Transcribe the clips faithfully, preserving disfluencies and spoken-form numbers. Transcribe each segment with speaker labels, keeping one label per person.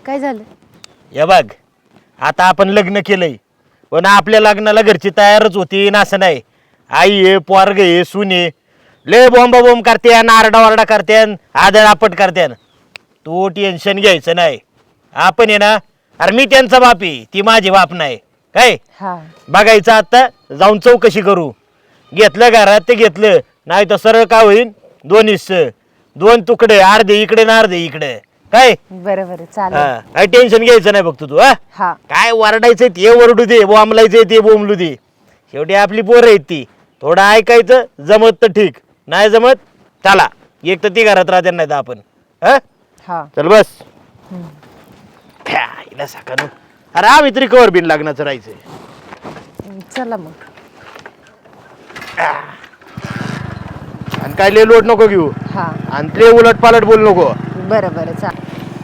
Speaker 1: काय झालं?
Speaker 2: हे बघ, आता आपण लग्न केलंय पण आपल्या लग्नाला घरची तयारच होती ना, असं नाही. आई आहे, पोरग आहे, सून आहे, लय बॉम्बा बॉम्ब करते, नारडा वारडा करते, आदळ आपट करते. तू टेन्शन घ्यायचं नाही. आपण आहे ना, अरे मी त्यांचा बाप आहे, ती माझी बाप नाही काय.
Speaker 1: हा
Speaker 2: बघायचं आता जाऊन चौकशी करू. घेतलं घरात ते घेतलं, नाही तर सरळ काय होईल, दोन हिस्से, दोन तुकडे, अर्धे इकडे ना अर्धे इकडे काय.
Speaker 1: बरं बरं चालेल.
Speaker 2: हा, काही टेन्शन घ्यायचं नाही बघतो तू. हा
Speaker 1: हा
Speaker 2: काय वरडायचं ते वरडू दे, बोंबलायचं ते बोंबलू दे. शेवटी आपली पोरं आहेत ती. थोडं ऐकायचं, जमत तर ठीक, नाही जमत चला, एक तर ती घरात राहते, नाही तर आपण. हा
Speaker 1: हा
Speaker 2: चल बस. हिला सकाळ अरे आम्ही तरी कवर बिन लग्नाचं राहायचंय.
Speaker 1: चला मग.
Speaker 2: आणि काय लय लोट नको घेऊ,
Speaker 1: हा
Speaker 2: आणि ते उलट पालट बोल नको.
Speaker 1: बरं बरं चालेल.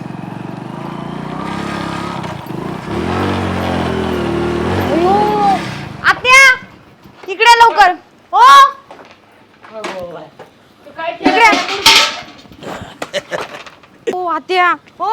Speaker 1: आत्या इकडे लवकर. हो इकडे. हो आत्या. हो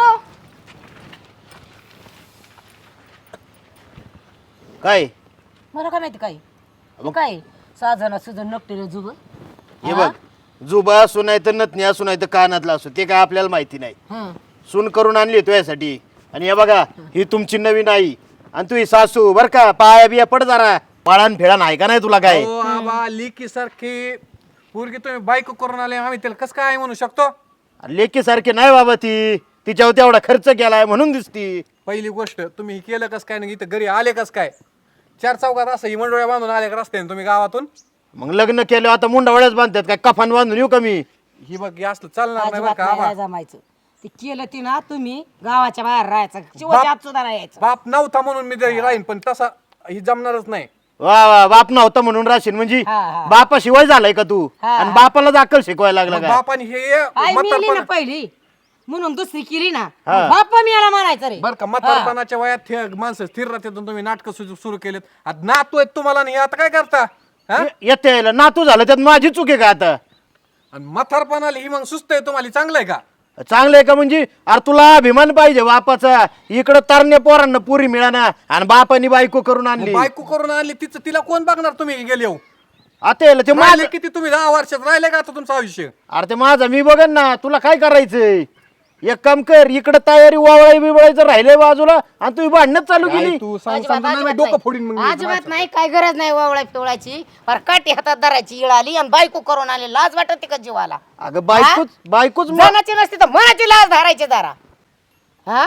Speaker 2: काय
Speaker 3: मला काय माहिती काय काय साजन सुजन नकटेल जुब.
Speaker 2: हे बघ, जुबा असू नाही तर नथनी असू नाही तर कानातला असू, ते काय आपल्याला माहिती नाही. सून करून आणली तो यासाठी. आणि हे बघा, ही तुमची नवीन आई आणि तू ही सासू बर का. पाया बिया पड जरा, पाळण फेळा नाही का नाही तुला काय.
Speaker 4: हो आबा, लिकी सारखी पोरगी तुम्ही बायको करून आले, आम्ही त्याला कसं काय म्हणू शकतो.
Speaker 2: लेकी सारखी नाही बाबा ती, तिच्यावर तेवढा खर्च केलाय म्हणून दिसती.
Speaker 4: पहिली गोष्ट तुम्ही हे केलं कस काय, नाही इथं घरी आले कस काय. चार चौकात असं ही मंडोळ्या बांधून आले का रस्त्याने तुम्ही गावातून.
Speaker 2: मग लग्न केलं आता मुंडावळ्याच बांधतात काय, कफान बांधून येऊ कमी.
Speaker 4: ही बघ हे असलं चालणार नाही बरं
Speaker 3: अजिबात
Speaker 4: का आबा.
Speaker 3: नाही जमायचं. ते केलं ती ना तुम्ही गावाच्या बाहेर राहायचं, शिवाच्या आत सुद्धा नाही यायचं.
Speaker 4: बाप नव्हता म्हणून मी जरी राहीन, पण तसा ही जमणारच नाही.
Speaker 2: वा वा, बाप नव्हता म्हणून राशीन म्हणजे
Speaker 3: हा, हा.
Speaker 2: बापा शिवाय झालाय का तू.
Speaker 3: हा,
Speaker 2: आणि
Speaker 3: हा.
Speaker 2: बापाला अक्कल शिकवायला लागला
Speaker 4: मग
Speaker 2: का.
Speaker 4: बापाने हे
Speaker 3: आई मिली ना
Speaker 4: म्हातारपण
Speaker 3: पहिली म्हणून दुसरी केली ना.
Speaker 2: हा.
Speaker 3: बाप्पा मी याला म्हणायचं रे.
Speaker 4: बरं का, म्हातारपणाच्या वयात थे- माणसं स्थिर राहतात, तुम्ही नाटक सुरू केलेत. आता नातू आहेत तुम्हाला, आणि हे आता काय करता. हा?
Speaker 2: ये- येते यायला नातू झालं त्यात माझी चूक आहे का आता.
Speaker 4: आणि म्हातारपणाला ही मग सुस्त आहे तुम्हाला, चांगलं आहे का.
Speaker 2: चांगलं आहे का म्हणजे, अरे तुला अभिमान पाहिजे बापाचा. इकडं तरण्या पोरांना पुरी मिळाना आणि बापानी बायको करून
Speaker 4: मग
Speaker 2: आणली.
Speaker 4: बायको करून आणली, तिचं तिला कोण बघणार. तुम्ही गेले हो
Speaker 2: आता यायला ते माझं.
Speaker 4: राहिले किती तुम्ही दहा वर्षात राहिले का आता तुमचं आयुष्य.
Speaker 2: अरे ते माझं मी बघन ना, तुला काय करायचंय. एक काम कर, इकडं तयारी वावळाई बिवळायचं राहिलंय बाजूला, आणि तू भांडणच चालू
Speaker 4: काय
Speaker 2: केली.
Speaker 4: तू सांग
Speaker 3: अजिबात-
Speaker 4: समजा नाही, मी
Speaker 3: अजिबात
Speaker 4: डोकं
Speaker 3: नाही.
Speaker 4: फोडीन मग मी
Speaker 3: अजिबात
Speaker 4: माझ्या.
Speaker 3: नाही, काय गरज नाही वावळा टोळाची. पर काठी हातात धरायची इळ आली आणि बायको करून आली. लाज वाटत का जीवाला.
Speaker 2: अगं बायकोच बायकोच म-
Speaker 3: जनाची नसती तर मनाची लाज धरायची जरा. हा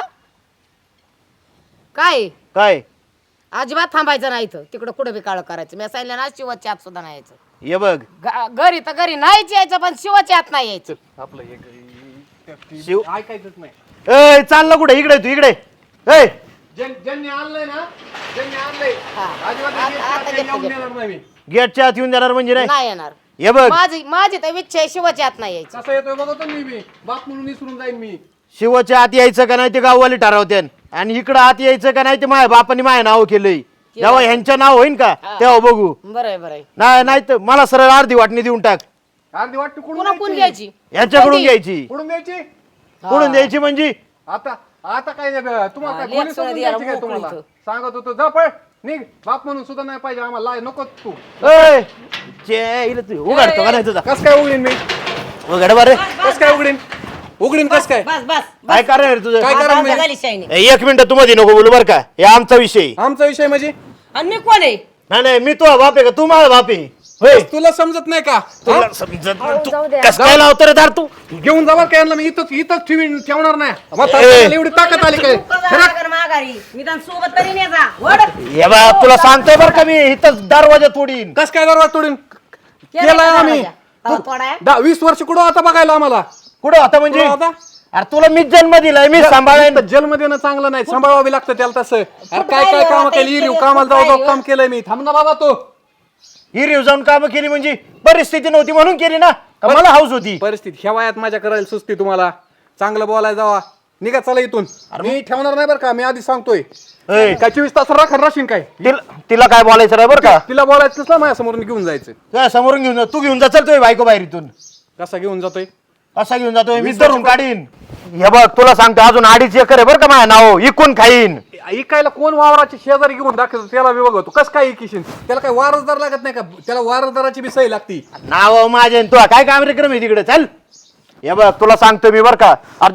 Speaker 3: काय
Speaker 2: काय
Speaker 3: अजिबात थांबायचं नाही इथं, तिकडं कुठं बी काळ करायचं. मी सांगितलं ना, शिवाच्या आत सुद्धा नाही यायचं.
Speaker 2: ये बघ
Speaker 3: ग- घरी तर घरी नाहीच यायचं, पण शिवाच्या आत नाही यायचं.
Speaker 4: आपलं हे- हे- हे-
Speaker 2: शिव
Speaker 4: ऐकायचंच नाही.
Speaker 2: ए चाललं कुठे, इकडे तू इकडे. ए
Speaker 4: ज्यां- ज्यांनी आणलंय ना, ज्यांनी आणलंय
Speaker 3: हा.
Speaker 4: अजिबात
Speaker 3: आता-
Speaker 4: हे-
Speaker 3: आता
Speaker 4: हे
Speaker 3: घेतो,
Speaker 4: येऊन
Speaker 3: घेतो.
Speaker 4: देणार नाही मी.
Speaker 2: गेटच्या आत येऊन देणार म्हणजे नाही.
Speaker 3: नाही येणार.
Speaker 2: हे बघ,
Speaker 3: माझी माझी तर इच्छा आहे शिवाच्या आत नाही यायचं.
Speaker 4: कसं येतोय बघतो मी मी बाप म्हणून विसरून जाईन मी.
Speaker 2: शिवाच्या आत यायचं का नाही ते गाववाले ठरवते, आणि इकडं आत यायचं का नाही ते माझ्या बापाने माझ्या नाव केलंय. जेव्हा ह्यांचं नाव होईन का तेव्हा बघू.
Speaker 3: बरं आहे, बरं आहे.
Speaker 2: नाही नाही तर मला सरळ अर्धी वाटणी देऊन टाक.
Speaker 4: अर्धी वाटते कुठून
Speaker 3: पुन्हा कोण
Speaker 4: द्यायची?
Speaker 3: घ्यायची.
Speaker 2: यांच्याकडून
Speaker 3: कधी?
Speaker 2: घ्यायची.
Speaker 4: कुठून द्यायची.
Speaker 2: कुठून द्यायची म्हणजे.
Speaker 4: आता आता काय नाही बे, तुम्हाला
Speaker 3: हा,
Speaker 4: काय कोणी
Speaker 3: लेक
Speaker 4: समजून
Speaker 3: सोडा
Speaker 4: द्यायची काय
Speaker 3: द्यायला
Speaker 4: तुम्हाला.
Speaker 3: मोकळं
Speaker 4: सांगत होतो जा पळ निघ, बाप म्हणून सुद्धा नाही पाहिजे आम्हाला. लाय नको तू.
Speaker 2: ए, जे इला तू उघडतो का नाही तुझा.
Speaker 4: कस काय उघडीन मी,
Speaker 2: उघड बरं.
Speaker 4: कस काय उघडीन उघडीन कस काय.
Speaker 3: बस बस
Speaker 2: काय कारण आहे तुझं.
Speaker 4: काय
Speaker 3: आता
Speaker 4: करा
Speaker 3: आमच्या
Speaker 4: मी.
Speaker 3: झाली शाईनी.
Speaker 2: ए, एक मिनिट तू मध्ये नको बोलू बरं का, हे आमचा विषय.
Speaker 4: आमचा विषय म्हणजे
Speaker 3: आणि मी कोण आहे.
Speaker 2: नाही नाही मी तुझा बाप आहे का, तू माझा बाप आहे होय.
Speaker 4: तुला समजत नाही का.
Speaker 2: तुला समजत नाही. तू
Speaker 1: जाऊ द्या.
Speaker 2: कसं काय लावतो रे दार तू.
Speaker 4: घेऊन जावा काय यांना मी इथंच इथंच ठेवीन ठेवणार नाही.
Speaker 2: ए.
Speaker 4: म्हातारपणाला एवढी ताकद आली काय.
Speaker 3: माघारी माघारी निदान सोबत तरी ने जा. वड.
Speaker 2: हे बा तुला सांगतोय बरं का मी, इथं दरवाजा तोडीन.
Speaker 4: कस काय दरवाजा तोडीन.
Speaker 3: केलाय
Speaker 4: केलाय
Speaker 3: का
Speaker 4: आम्ही.
Speaker 3: दरवाजा? तवा तोडाय.
Speaker 4: दहा वीस वर्ष कुठं आता बघायला आम्हाला.
Speaker 2: कुठं होता म्हणजे.
Speaker 4: कुठं होता?
Speaker 2: अरे तुला मी जन्म दिलाय, मी सांभाळेन.
Speaker 4: जेलमध्ये येणं चांगलं नाही, सांभाळावी लागतं त्याला तसं. अरे काय काय
Speaker 3: राहिलं
Speaker 4: काम
Speaker 3: आता
Speaker 4: केली
Speaker 3: इतके
Speaker 4: कामाला जाऊ
Speaker 3: दिवस
Speaker 4: जाऊ
Speaker 3: काय
Speaker 4: काम केलंय मी. थांब ना बाबा तो.
Speaker 2: हिरीव जाऊन काम केली म्हणजे परिस्थिती नव्हती म्हणून केली ना, का मला हाऊस होती.
Speaker 4: परिस्थिती ह्या वयात माझ्या करायला सुस्ती तुम्हाला. चांगलं बोलायला जावा, निघा चला इथून. मी ठेवणार नाही बरं का, मी आधी सांगतोय.
Speaker 2: ए,
Speaker 4: काय चोवीस तास राखण राशीन काय.
Speaker 2: तिला तिला काय बोलायचं नाही बरं का.
Speaker 4: तिला बोलायचं ना माझ्या समोरून घेऊन जायचं.
Speaker 2: तुझ्या समोरून घेऊन जा, तू घेऊन जा. चलतोय बायको बाहेर इथून.
Speaker 4: कसा घेऊन जातोय.
Speaker 2: असा घेऊन जातोय मी, धरून काढीन. हे बघ तुला सांगतो अजून अडीच एकर आहे बरं का माझ्या नाव इकून खाईन.
Speaker 4: इकायला कोण वावराची शेजारी घेऊन दाखवतो त्याला मी बघतो कसं काय इकिशीन. त्याला काय वारसदार लागत नाही का? त्याला वारसदाराची बी सही लागती.
Speaker 2: नाव माझे तुला काय कार्यक्रम आहे तिकडे चल. हे बघ तुला सांगतो मी बरं का अरे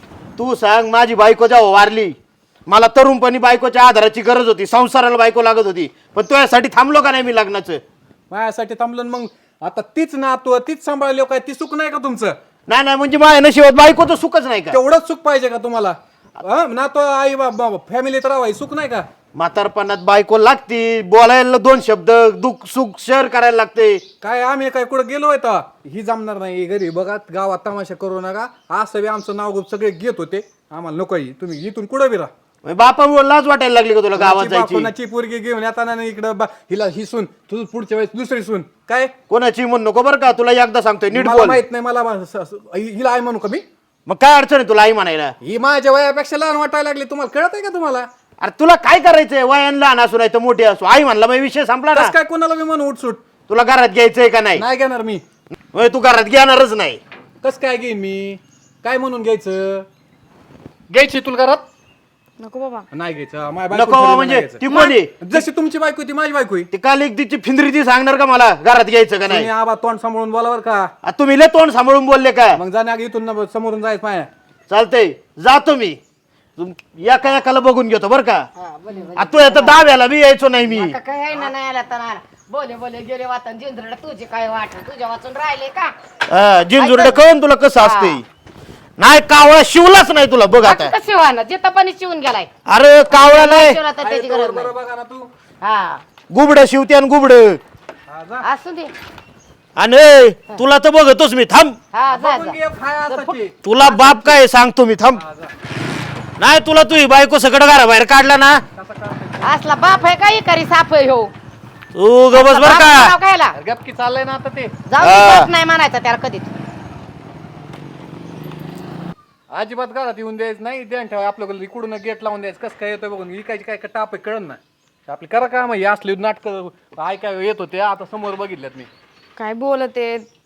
Speaker 2: तू सांग माझी बायको जेव्हा वारली मला तरुणपणी बायकोच्या आधाराची गरज होती संसाराला बायको लागत होती पण तुझ्यासाठी थांबलो का नाही मी लग्नाचं.
Speaker 4: माझ्यासाठी थांबलं मग आता तीच नातू तीच सांभाळली काय ती सुख नाही का तुमचं?
Speaker 2: नाही नाही म्हणजे माझ्या नशिबात बायकोचं सुखच नाही का.
Speaker 4: तेवढंच सुख पाहिजे का तुम्हाला? नातू आई बाबा फॅमिलीत राहाय सुख नाही का?
Speaker 2: म्हातारपणात बायको लागती बोलायला दोन शब्द दुःख सुख शेअर करायला लागते.
Speaker 4: काय आम्ही काय कुठं गेलो आहे ही जमणार नाही घरी बघा गावात तमाशा करू नका असं बी आमचं नाव सगळे घेत होते आम्हाला नकोय तुम्ही इथून कुठं बी राहा.
Speaker 2: बापा लाज वाटायला लागली का तुला गावात जायची.
Speaker 4: कोणाची पोरगी घेऊन येताना इकडं हिला ही सून तुझं पुढच्या वेळेस दुसरी सून काय
Speaker 2: कोणाची म्हणू नको बरं का तुला एकदा सांगतोय नीट
Speaker 4: मला
Speaker 2: बोल.
Speaker 4: माहित नाही मला स- स- हिला आई म्हणू का मी?
Speaker 2: मग काय अडचण आहे तुला आई म्हणायला.
Speaker 4: ही माझ्या वयापेक्षा लहान वाटायला लागली तुम्हाला कळत आहे का तुम्हाला?
Speaker 2: अरे तुला काय करायचंय वयान लहान असू नाही तर मोठी असू आई म्हणला मग विषय संपला ना.
Speaker 4: कसं काय कोणाला मी म्हणून उठसूट
Speaker 2: तुला घरात घ्यायचंय का नाही.
Speaker 4: नाही घेणार मी.
Speaker 2: होय, तू घरात घेणारच नाही.
Speaker 4: कसं काय घेईन मी? काय म्हणून घ्यायचं? घ्यायची तुला घरात
Speaker 1: नको बाबा.
Speaker 4: नाही घ्यायचं माझ्या
Speaker 2: नको
Speaker 4: बायकोला
Speaker 2: बाबा
Speaker 4: नाही
Speaker 2: म्हणजे
Speaker 4: घ्यायचं.
Speaker 2: ती कोणी
Speaker 4: जशी तुमची बायको ती माझी बायको आहे.
Speaker 2: ती काल एक तिची फिंदरी ती सांगणार का मला घरात घ्यायचं का नाही.
Speaker 4: तुम्ही आबा तोंड सांभाळून बोलावर का?
Speaker 2: आ, तुम्ही लय तोंड सांभाळून बोलले का.
Speaker 4: मग जाण्या इथून न- समोरून जायचं माया.
Speaker 2: चालतंय जातो मी तुम- एका एकाला बघून घेतो बरं का. आ, तू आता दहाव्याला बी यायचो नाही मी.
Speaker 3: आता काय आहे ना नाही आला तर नाही आला. बोले बोले गेले वाचन जिंजरड तुझे काय वाट तुझ्या वाचून राहिले का?
Speaker 2: हा, जिंजुरडे कळून तुला कसं असते. नाही कावळा शिवलाच नाही तुला बघ आता.
Speaker 3: कसं शिवाना जे तपानी शिवून गेलाय
Speaker 2: अरे कावळा नाही
Speaker 3: शिवला तर त्याची गरज नाही.
Speaker 4: बरोबर बघा ना तू.
Speaker 3: हा
Speaker 2: गुबड शिवते आणि गुबड
Speaker 4: हा, जा.
Speaker 3: असू दे.
Speaker 2: आणि ए, तुला तर बघतोच मी थांब.
Speaker 3: हा जा
Speaker 4: बघून
Speaker 3: जा.
Speaker 4: घे, खाय असाची.
Speaker 2: तुला बाप काय सांगतो मी थांब. नाही तुला तुझी बायको सगळं घरा बाहेर काढला ना
Speaker 3: असला बाप आहे काही करी साप आहे हो.
Speaker 2: तू गबस बर
Speaker 3: बाप
Speaker 2: का.
Speaker 3: नाव कायला?
Speaker 4: गपकी चाललंय ना आता ते.
Speaker 3: जाऊ दे,
Speaker 2: हा.
Speaker 3: बाप नाही म्हणायचं त्याला कधीच.
Speaker 4: अजिबात घरात येऊन द्यायचं नाही. ध्यान ठेवा आपल्याकडे इकडून गेट लावून द्यायचं कसं काय येतोय बघून विकायची काय काय टाप आहे कळण ना. आपली करा का मग हे असली नाटक ऐकाय येत होते आता समोर बघितल्यात मी.
Speaker 1: काय बोलते